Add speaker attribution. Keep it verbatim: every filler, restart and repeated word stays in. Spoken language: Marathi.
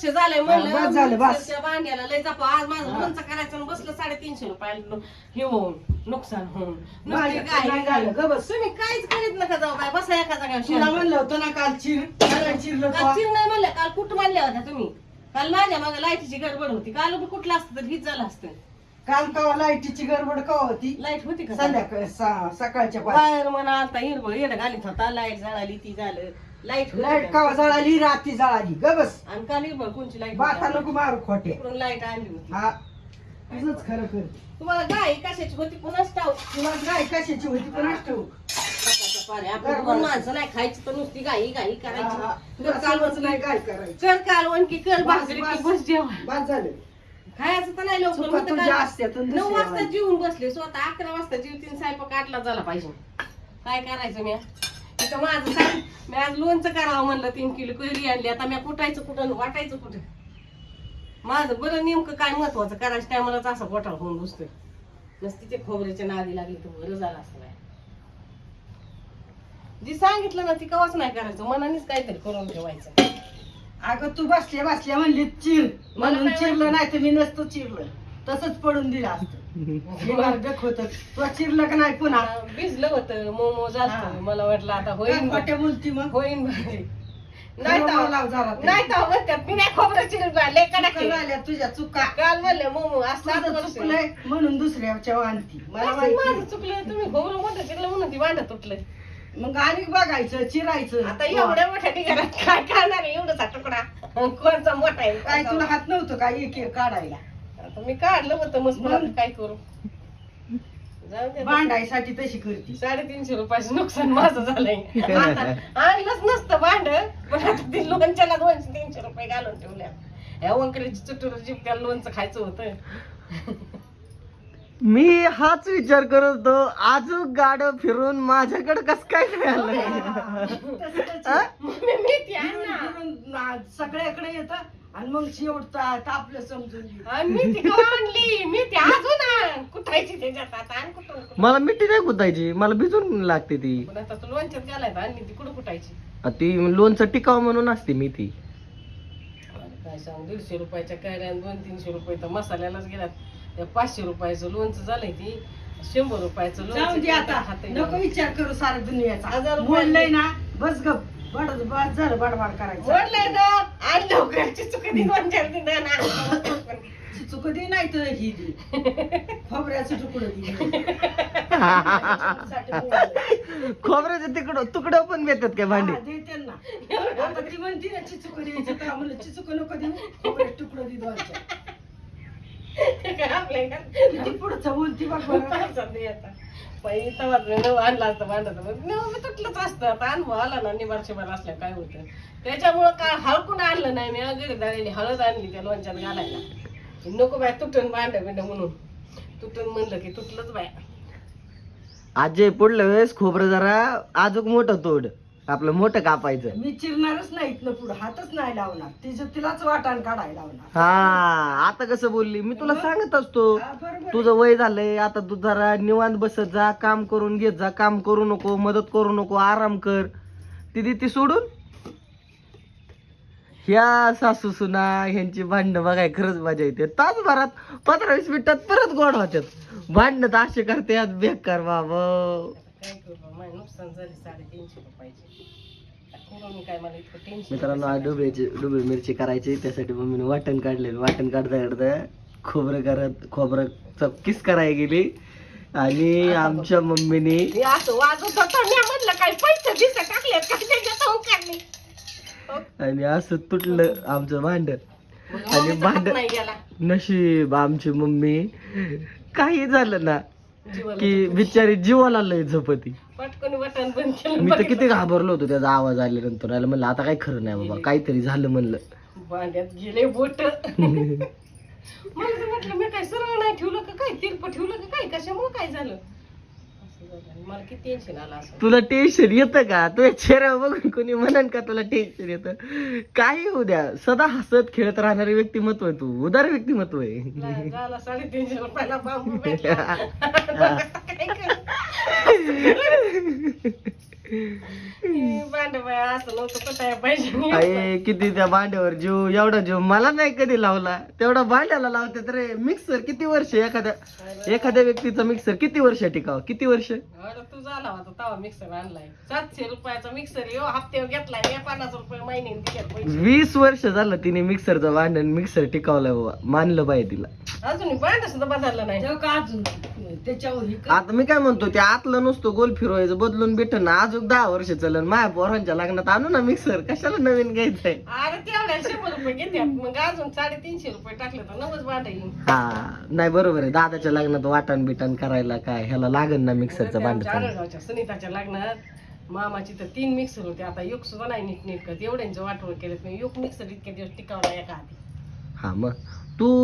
Speaker 1: वर्ष झालंय म्हणलं
Speaker 2: बस झालं, बस.
Speaker 1: मिक्सरच्या भांड्याला लय जपा आज माझं लोणचं करायचं आणि बसलं साडेतीनशे रुपयाला हे होऊन नुकसान होऊन नुसती
Speaker 2: माझ्याचं
Speaker 1: गाय
Speaker 2: नाही झालं, ग बस.
Speaker 1: तुम्ही काहीच करीत नका जाऊ बाय बसा एका
Speaker 2: तुला
Speaker 1: जागा
Speaker 2: म्हणलं होतं ना काल चिर काल चिरलं
Speaker 1: काल
Speaker 2: तो.
Speaker 1: चिर नाही म्हणलं काल कुठं म्हणल्या होत्या तुम्ही काल माझ्या मागे लाईटीची गडबड होती काल बी कुठलं असतं तर हीच झालं असतं
Speaker 2: काल कवा लाईटीची गडबड कवा होती
Speaker 1: लाईट होती का
Speaker 2: संध्याकाळी सा- सकाळच्या पाच
Speaker 1: बाहेर म्हणा आता हिरबळ येडं घालीत होता लाईट जळाली ती झालं लाईट
Speaker 2: लाईट कवा जळाली रात्री जळाली ग बस
Speaker 1: आणि काल हिरबळ कोणची लाईट
Speaker 2: बाता नको मारू खोटे
Speaker 1: इकडून लाईट आणली होती
Speaker 2: हा तुझंच खरं कर
Speaker 1: तुम्हाला गाय कशाची होती पुन्हाच टाव
Speaker 2: तुला काय कशाची होती पण ठेवू
Speaker 1: आपण दोन माणसं नाही खायची तर नुसती गाई गाई करायची
Speaker 2: तुला
Speaker 1: कर
Speaker 2: चालवच नाही
Speaker 1: कालवण
Speaker 2: काय करायचं
Speaker 1: कर कालवण की कर
Speaker 2: बस,
Speaker 1: भाकरी की
Speaker 2: बस.
Speaker 1: बस जेवण
Speaker 2: बाद झालं
Speaker 1: खायचं तर नाही लवकर
Speaker 2: चुका
Speaker 1: म्हणतं
Speaker 2: तुझ्या
Speaker 1: काल
Speaker 2: असत्यात आणि
Speaker 1: नऊ
Speaker 2: दुसऱ्या
Speaker 1: वाजता
Speaker 2: वाजता.
Speaker 1: जेवून बसले स्वतः अकरा वाजता जेवतीन स्वयंपाक आठला झाला पाहिजे काय करायचं मी तिथं माझं सांग मी आज लोणचं करावं म्हणलं तीन किलो कैरी आणली आता मी कुटायचं कुठं वाटायचं कुठं माझं बरं नेमकं काय महत्वाचं करायचं टायमालाच असं पोटाला होऊन बसतोय नसती ते खोबऱ्याच्या नादी लागली तर बरं झालं असं नाही जी सांगितलं ना ती कवाच नाही करायचं मनानेच काहीतरी करून ठेवायचं
Speaker 2: अगं तू बसल्या बसल्या म्हणली चिर म्हणून
Speaker 1: काय
Speaker 2: चिरलं नाही तर मी नसतं चिरलं तसंच पडून दिलं असतं हे मार्गक होत तू चिरलं का नाही पुन्हा
Speaker 1: आ, भिजलं होतं मोमो
Speaker 2: हा.
Speaker 1: झालं मला वाटलं आता
Speaker 2: काय
Speaker 1: होईन
Speaker 2: खोट्या बोलती मग
Speaker 1: होईन भारी. नाही
Speaker 2: खरं
Speaker 1: तर
Speaker 2: बोलावं जरा ते.
Speaker 1: नाही तर म्हणतात मी नाही खोबरं चिरलं लय कडक
Speaker 2: चुका
Speaker 1: आहे.
Speaker 2: झाल्या तुझ्या चुका
Speaker 1: काल म्हणले मोमो आज सात
Speaker 2: तुझं
Speaker 1: वर्ष
Speaker 2: चुकलंय म्हणून दुसऱ्याच्या आणती मला
Speaker 1: असं
Speaker 2: माहिती
Speaker 1: माझं चुकलं तुम्ही खोबरं मोठं चिरलं म्हणून ती वांड तुटलं
Speaker 2: मग आणि बघायचं चिरायचं
Speaker 1: आता एवढ्या मोठ्या ठिकाणात काय करणार आहे एवढाचा तुकडा कोणचा मोठा आहे
Speaker 2: काय
Speaker 1: कोणचा
Speaker 2: तुला हात नव्हतं का एक एक काढायला
Speaker 1: आता मी काढलं होतं मस्त
Speaker 2: मग?
Speaker 1: आता काय करू जाऊ दे
Speaker 2: भांडायसाठी तशी करती
Speaker 1: साडेतीनशे रुपयाचं नुकसान माझं झालंय आता आणलंच नसतं भांड पण आता ती लोणच्याला दोनशे तीनशे रुपये घालून ठेवल्या ह्या वंकरीची चुटूर जीप त्या लोणचं खायचं होतं
Speaker 3: मी हाच विचार करत होतो आजूक गाडं फिरून माझ्याकडे कस काय मिळालं
Speaker 1: मम्मी मी ती आण ना.
Speaker 2: सगळ्याकडे येत आणि मग शेवट ता- तापलं समजून घे.
Speaker 1: आणि मी ती कवा आणली मी ती अजून आण कुठायची त्याच्यात आता आण कुठून कुठून.
Speaker 3: मला मिठी नाही कुतायची मला भिजून लागते ती
Speaker 1: पण आता तू लोणच्यात घालायचं आणली ती कुठं कुठायची
Speaker 3: आ ती लोणचं टिकाव म्हणून असते मी ती
Speaker 1: काय सांग दीडशे रुपयाच्या कैऱ्या आणि दोन तीनशे रुपये तर मसाल्यालाच गेल्यात त्या पाचशे रुपयाचं लोणचं झालंय ती शंभर रुपयाचं
Speaker 2: जाऊ दे आता
Speaker 1: खाते
Speaker 2: नको विचार करू सारा
Speaker 1: हजार
Speaker 2: दुनियाचा
Speaker 1: रुपये.
Speaker 2: बोललंय ना बस गप बड बस झालं बडबड करायचं
Speaker 1: बोललंय ना आण लवकरची चुकती दोन चार दिन ना
Speaker 2: चुक दे नाही तर ही दे खोबऱ्याचं तुकडं दे
Speaker 3: खोबऱ्याचे तिकडं तुकडं पण देतात काय भांडी
Speaker 2: हा, देते ना आता ती म्हणती ना चिचुक द्यायचं तर म्हणलं चिचुक नको देऊ खोबऱ्याचं तुकडं दे दोनच्या
Speaker 1: आपल्या
Speaker 2: किती पुढचं बोलती बघ बरं.
Speaker 1: आणला असतं भांडत तुटलंच असतं आता अनुभव आला ना निबार शिबार असल्या काय होतं त्याच्यामुळं काय हळकून आणलं नाही मी अगदी झालेली हळद आणली त्या लोणच्यात घालायला नको बाय तुटून भांड बिंड म्हणून तुटून म्हणलं की तुटलंच बाय
Speaker 3: आजे पुढल्या वेळेस खोबरं जरा आजूक मोठं तोड आपलं मोठं कापायचं
Speaker 2: मी चिरणारच नाहीत ना पुढं हातच नाही लावणार तिचं तिलाच वाटाण काढायला लावणार
Speaker 3: हा आता कसं बोलली मी तुला सांगत असतो
Speaker 2: हा, बरोबर
Speaker 3: तुझं वय झालंय आता तू जरा निवांत बसत जा काम करून घेत जा काम करू नको मदत करू नको आराम कर ती ती सोडून ह्या सासू सुना ह्यांची भांडणं बघाय खरंच मजा येते तासभरात पंधरा वीस मिनिटात परत गोड होत्यात भांडणं तर असे करते बेकार बाबा
Speaker 1: काय करू बा, माझं नुकसान झाले साडेतीनशे रुपयाचे करून काय मला इतकं टेन्शन
Speaker 3: मित्रांनो आज डुबळीची डुबळी मिरची करायची त्यासाठी मम्मीने वाटण काढलेलं वाटण काढता काढता खोबरं करत खोबरं किस करायला गेली आणि आमच्या मम्मीने
Speaker 1: मी असं वाजत होतं मी म्हटलं काय पैसे दिसत टाकले काय त्याच्यात काढले
Speaker 3: आणि असं तुटलं आमचं भांड आणि भांड
Speaker 1: नाही गेला
Speaker 3: नशीब आमची मम्मी काही झालं ना
Speaker 1: जीवाला
Speaker 3: की बिचारी जीवाला लय झपती
Speaker 1: पटकन बटन बंद केलं
Speaker 3: मी तर किती घाबरलो होतो त्याचा आवाज आल्यानंतर आला म्हणलं आता काही खरं नाही बाबा काहीतरी झालं म्हणलं
Speaker 1: भांड्यात गेले बोट मला तर म्हटलं मी काय सरळ नाही ठेवलं का काय तिरप ठेवलं का काय कशामुळे काय झालं असं झालं. आणि मला किती टेन्शन आलं असं
Speaker 3: तुला टेन्शन येतं का तुझ्या चेहरा बघून कोणी म्हणन का तुला टेन्शन येतं काही होऊ द्या सदा हसत खेळत राहणारे व्यक्तिमत्व आहे तू उदार व्यक्तिमत्व आहे
Speaker 1: नाही, झाला साडेतीनशे रुपयाला बांबू भेटला काय करू? भांड बाय असं नव्हतं पटाया पाहिजे.
Speaker 3: अरे किती त्या भांड्यावर जीव, एवढा जीव मला नाही कधी लावला, तेवढा भांड्याला लावते रे. मिक्सर किती वर्ष, एखाद्या एखाद्या व्यक्तीचा मिक्सर किती वर्ष टिकाव, किती वर्ष.
Speaker 1: अरे तू झाला होता तवा मिक्सर आणलाय, सातशे रुपयाचा मिक्सर यो हप्त्यावर घेतलाय, मी पन्नास रुपये महिन्याने दिल्यात पैसे.
Speaker 3: वीस वर्ष झालं तिने मिक्सरचं भांडण मिक्सर टिकावलाय बाबा, मानलं पाहिजे तिला.
Speaker 1: अजून भांड सुद्धा बदललं नाही.
Speaker 2: तेव्हा का अजून त्याच्यावर ही
Speaker 3: आता मी काय म्हणतो, ते आतलं नुसतं गोल फिरवायचं बदलून भेटन ना, अजून दहा वर्ष चलन. माझ्या पोरांच्या लग्नात आणू ना मिक्सर, कशाला नवीन घ्यायचंय.
Speaker 1: अरे तेवढ्या शंभर रुपये घेतात, मग अजून साडेतीनशे रुपये टाकले तर नवच भांड येईल.
Speaker 3: हा नाही बरोबर आहे, दादाच्या लग्नात वाटण बिटण करायला काय ह्याला लागन ना मिक्सरचं भांड.
Speaker 1: आडगावच्या सुनीताच्या लग्नात मामाची तर तीन मिक्सर होते, आता युग सुद्धा नाही नीट नीट करत, एवढ्यांचं वाटोळ केलं. युग मिक्सर इतके दिवस टिकावला एका हाती.
Speaker 3: हा मग तू